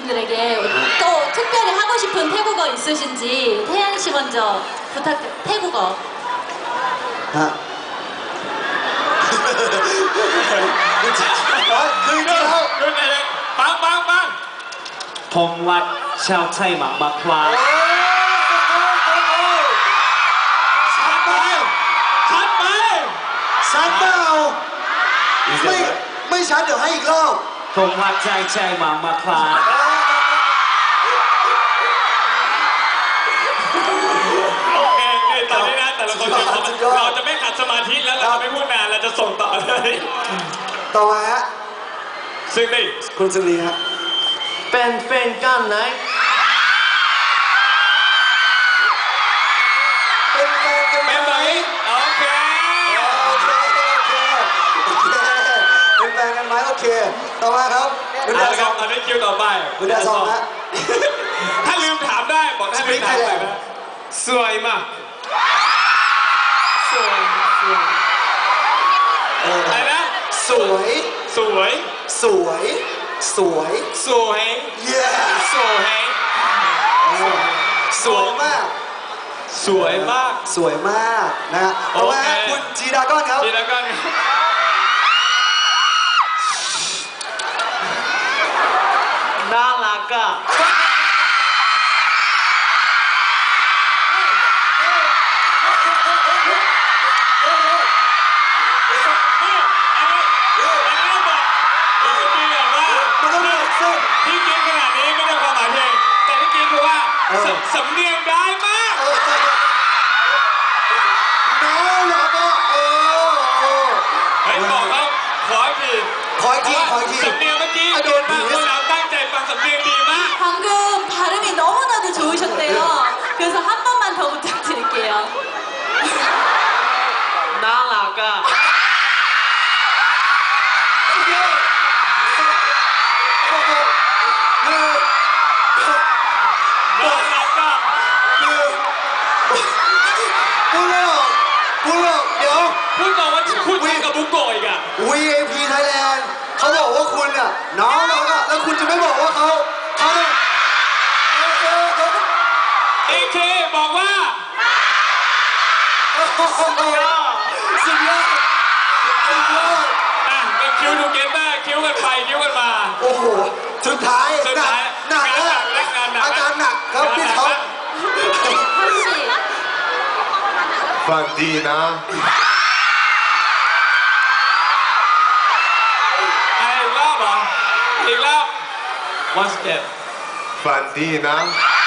분들에게 또 특별히 하고 싶은 태국어 있으신지 태양 씨 먼저 태국어. ฮะคือแล้วปังผมรักชาวไทยมากๆครับชัดไปชัดเปล่าไม่ชัดเดี๋ยวให้อีกรอบผมรักใจมากๆครับโอเคนี่ตอนนี้นะแต่ละคนเราจะไม่ขัดสมาธิแล้วเราจะไม่พูดนานเราจะส่งต่อเลยต่อมาฮะซึ่งนี่คุณสุรีฮะเป็นแฟนกันไหนเป็นแฟนกันไหมเป็นไหมโอเคเป็นแฟนกันไหมโอเคต่อมาครับคุณเอาดาละซครัอบ งตอนนี้คิวต่อไปคุณดาซองฮะถ้าลืมถามได้บอกถ้าลืมถามได้นะสวยมากอะไรนะสวยสวยสวยสวยสวยเย้สวยสวยมากสวยมากสวยมากนะฮะต่อมาฮะคุณจีดาก้อนครับทีละกันน่ารักอ่ะที่กินขนาดนี้ไม่ได้ความหมายเพลงแต่ที่กินคือว่าสำเนียงได้มากน้องเหรอก็เฮ้ยบอกเขาขออีกทีขออีกทีสำเนียงเมื่อกี้โดนมากพวกเราตั้งใจฟังสำเนียงดีมาก 방금 발음이 너무나도 좋으셨대요. 그래서 한 번만 더 부탁드릴게요. น่ารักอ่ะน้องรักก็พูดไม่ออกเดี๋ยวพูดบอกว่าพูดคุยกับบุกโกะอีกอ่ะ VIP Thailand เขาบอกว่าคุณอ่ะน้องเราอ่ะแล้วคุณจะไม่บอกว่าเขาเอเคบอกว่าสุดยอดสุดยอดอ่ะเป็นคิวทูเกเตอร์คิวกันไปคิวกันมาโอ้โหสุดท้ายหนักแล้วอาการหนักครับพี่ท็อป 한씨 ฝันดีนะอีกรอบเหรออีกรอบ once again ฝันดีนะ